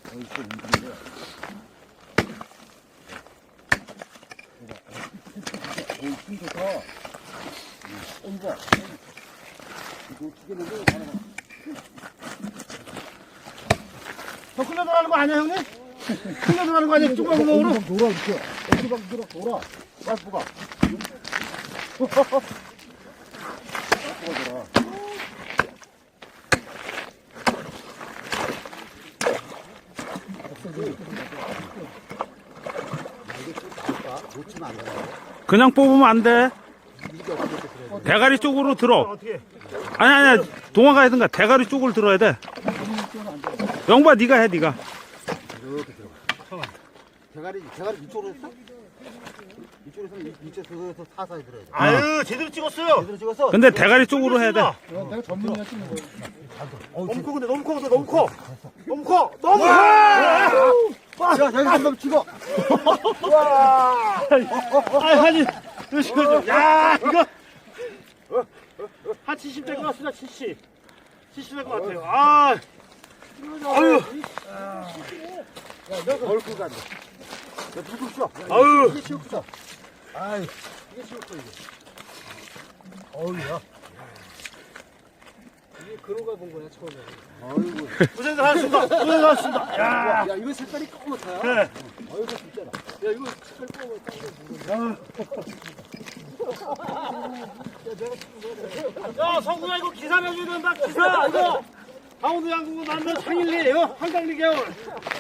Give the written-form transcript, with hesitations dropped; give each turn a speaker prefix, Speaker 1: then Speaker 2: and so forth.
Speaker 1: 어이씨, 움직이네. 오, 힘 좋다. 이거. 이거 튀겨내고 가는 거.
Speaker 2: 더 끌려 들어가는 거 아니야, 형님? 끌려 들어가는 거 아니야? 쭈구멍으로?
Speaker 1: 놀아, 이렇게. 어디가 놀아. 빨리가.
Speaker 3: 그냥 뽑으면 안 돼. 대가리 쪽으로 들어.
Speaker 2: 어떻게?
Speaker 3: 아니, 동화가 하든가 대가리 쪽으로 들어야 돼. 영바, 네가 해, 네가.
Speaker 1: 이렇게 들어가. 대가리 이쪽으로 했어? 이쪽에서 이쪽에서 사사에 들어야 돼.
Speaker 2: 아유, 제대로 찍었어요.
Speaker 1: 제대로 찍었어?
Speaker 3: 근데 대가리 쪽으로 해야 돼.
Speaker 1: 내가 전문이야 찍는 거.
Speaker 2: 너무 커, 근데 너무 커, 너무 커. 너무 커, 너무 커!
Speaker 1: 야, 여기 한번 찍어.
Speaker 2: 와! 아니, 이거, 야, 이거. 한 70 될 것 같습니다, 70. 70 될 것 같아요. 아, 아유,
Speaker 1: 야, 내가 얼굴 간다. 야, 누구 쳐?
Speaker 2: 아유.
Speaker 1: 이게 치울 거다. 아이, 이게 치울 거, 이게. 어우야. 이게 그로가 본 거야, 처음에. 아이고.
Speaker 2: 고생들 하셨습니다. 고생들 하셨습니다. 야,
Speaker 1: 야, 이거 색깔이 검었어요.
Speaker 2: 네.
Speaker 1: 아이고, 진짜라. 야, 이거 색깔
Speaker 2: 야, 성구야, 이거 기사 내줘야 된다, 기사! 이거! 강원도 양궁은 남자 창일리, 이거 한강리 개월.